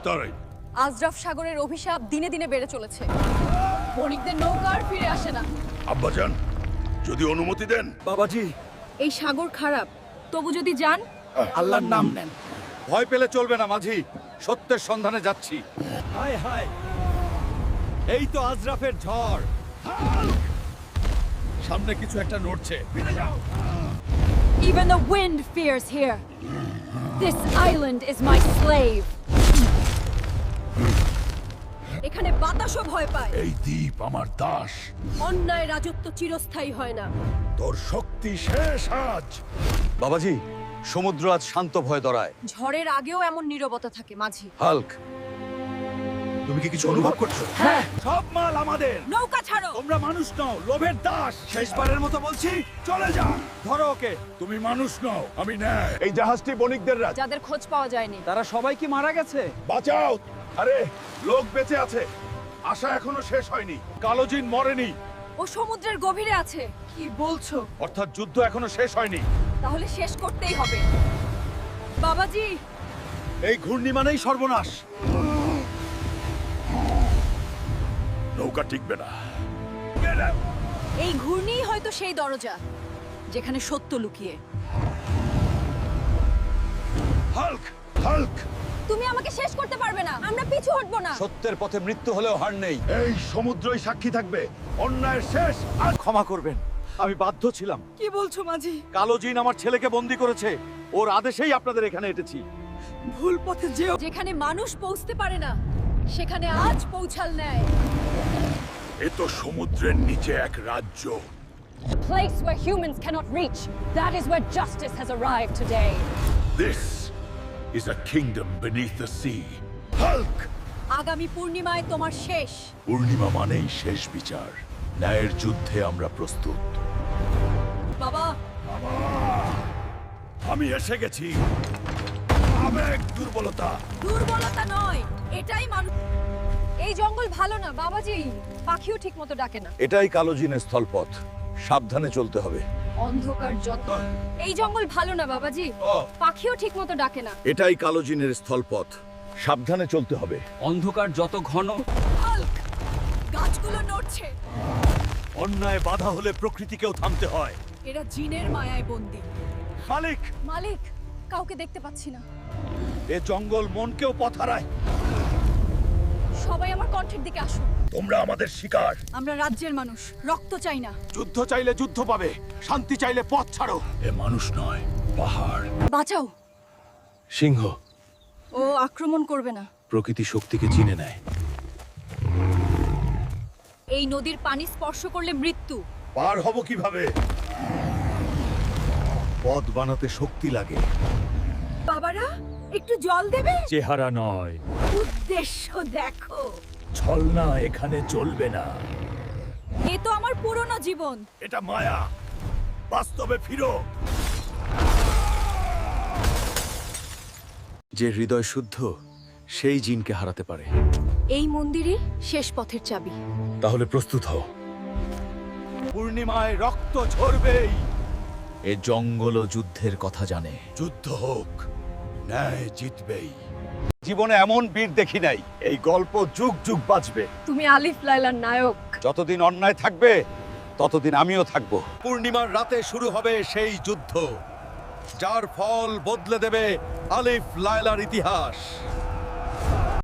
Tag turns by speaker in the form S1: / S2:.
S1: তারাই
S2: আজরাফ সাগরের অভিশাপ দিনে দিনে বেড়ে চলেছে। বণিকদের নৌকা আর ফিরে আসে না।
S1: আব্বাজান যদি অনুমতি দেন।
S3: বাবাজি,
S2: এই সাগর খারাপ, তবু যদি যান।
S3: আল্লাহর নাম নেন। ভয় পেলে চলবে না মাঝি, সত্যের সন্ধানে যাচ্ছি। হায় হায়, এই তো আজরাফের ঝড়। সামনে কিছু একটা নড়ছে।
S2: Even the wind fears here. This island is my slave. এখানে বাতাসও ভয় পায়।
S1: এই দ্বীপ আমার দাস।
S2: অন্যায় রাজত্ব চিরস্থায়ী হয় না।
S1: তোর শক্তি শেষ আজ।
S3: বাবাজি, সমুদ্র আজ শান্ত ভয় ধরায়।
S2: ঝড়ের আগেও এমন নীরবতা থাকে মাঝি।
S3: হাল্ক, তুমি কি কিছু অনুভব করছো?
S2: হ্যাঁ।
S3: সব মাল আমাদের।
S2: নৌকা ছাড়ো।
S3: তোমরা মানুষ নও, লোভের দাস। শেষবারের মতো বলছি, চলে যা। ধরো ওকে।
S1: তুমি মানুষ নও, আমি ন্যায়। এই জাহাজটি বণিকদের রাজ।
S2: যাদের খোঁজ পাওয়া যায়নি।
S3: তারা সবাই কি মারা গেছে?
S1: বাঁচাও। আরে লোক বেঁচে আছে, আশা এখনো শেষ হয়নি। কালোজিন মরেনি।
S2: ও সমুদ্রের গভীরে আছে। কি বলছো?
S1: অর্থাৎ যুদ্ধ এখনো শেষ হয়নি।
S2: তাহলে শেষ করতেই হবে। বাবাজি,
S3: এই ঘূর্ণি মানেই সর্বনাশ।
S1: নৌকা টিকবে না।
S2: এই ঘূর্ণিই হয়তো সেই দরজা যেখানে সত্য লুকিয়ে।
S1: Hulk, Hulk.
S2: তুমি আমাকে শেষ করতে পারবে না। আমরা পিছু হটবো না।
S3: সত্যের পথে মৃত্যু হলেও হার নেই।
S1: এই সমুদ্রই সাক্ষী থাকবে অন্যায়ের শেষ।
S3: আর ক্ষমা করবেন, আমি বাধ্য ছিলাম।
S2: কি বলছো মাঝি?
S3: কালো জিন আমার ছেলেকে বন্দি করেছে, ওর আদেশেই আপনাদের এখানে এসেছি।
S2: ভুল পথে যেও। যেখানে মানুষ পৌঁছতে পারে না, সেখানে আজ পৌঁছাল ন্যায়।
S1: এ তো সমুদ্রের নিচে এক রাজ্য।
S2: A place where humans cannot reach. That is where justice has arrived today.
S1: This is a kingdom beneath the sea. Hulk.
S2: আগামী পূর্ণিমায় তোমার শেষ।
S1: পূর্ণিমা মানেই শেষ বিচার। ন্যায়ের যুদ্ধে আমরা প্রস্তুত।
S2: বাবা,
S1: আমি এসে গেছি। আবেগ দুর্বলতা।
S2: দুর্বলতা নয়, এটাই মানুষ। এই জঙ্গল ভালো না বাবাজি। পাখিও ঠিকমতো ডাকে না।
S3: এটাই কালো জিনের স্থলপথ, সাবধানে চলতে হবে।
S2: অন্ধকার যত। এই জঙ্গল ভালো না বাবাজি। পাখিও ঠিকমতো ডাকে না।
S3: এটাই কালো জিনের স্থলপথ, সাবধানে চলতে হবে।
S4: অন্ধকার যত ঘন,
S2: হাল্ক, গাছগুলো নড়ছে।
S3: অন্যায় বাধা হলে প্রকৃতিকেও থামতে হয়।
S2: এরা জিনের মায়ায় বন্দী।
S3: মালিক,
S2: মালিক, কাউকে দেখতে পাচ্ছি না।
S3: এ জঙ্গল মনকেও পথ হারায়।
S2: সবাই আমার কণ্ঠের দিকে আসুন।
S1: তোমরা আমাদের শিকার।
S2: আমরা রাজ্যের মানুষ, রক্ত চাই না।
S3: যুদ্ধ চাইলে যুদ্ধ পাবে, শান্তি চাইলে পথ ছাড়ো।
S1: এ মানুষ নয়, পাহাড়।
S2: বাঁচাও।
S3: সিংহ
S2: ও আক্রমণ করবে না।
S3: প্রকৃতি শক্তিকে চিনে নেয়।
S2: এই নদীর পানি স্পর্শ করলে মৃত্যু।
S1: পার হব কিভাবে?
S3: পথ বানাতে শক্তি লাগে।
S2: বাবারা, একটু জল দেবে?
S3: চেহারা নয়,
S2: উদ্দেশ্য দেখো।
S3: ছলনা এখানে চলবে না।
S2: এ তো আমার পুরনো জীবন।
S1: এটা মায়া, বাস্তবে ফিরো।
S3: যে হৃদয় শুদ্ধ, সেই জিনকে হারাতে পারে।
S2: এই মন্দিরই শেষ পথের চাবি।
S3: তাহলে প্রস্তুত হও। পূর্ণিমায় রক্ত ঝরবেই। এ জঙ্গল যুদ্ধের কথা জানে।
S1: যুদ্ধ হোক, ন্যায় জিতবেই।
S3: জীবনে এমন বীর দেখি নাই। এই গল্প যুগ যুগ বাঁচবে।
S2: তুমি আলিফ লায়লার নায়ক।
S3: যতদিন অন্যায় থাকবে, ততদিন আমিও থাকব। পূর্ণিমার রাতে শুরু হবে সেই যুদ্ধ, যার ফল বদলে দেবে আলিফ লায়লার ইতিহাস।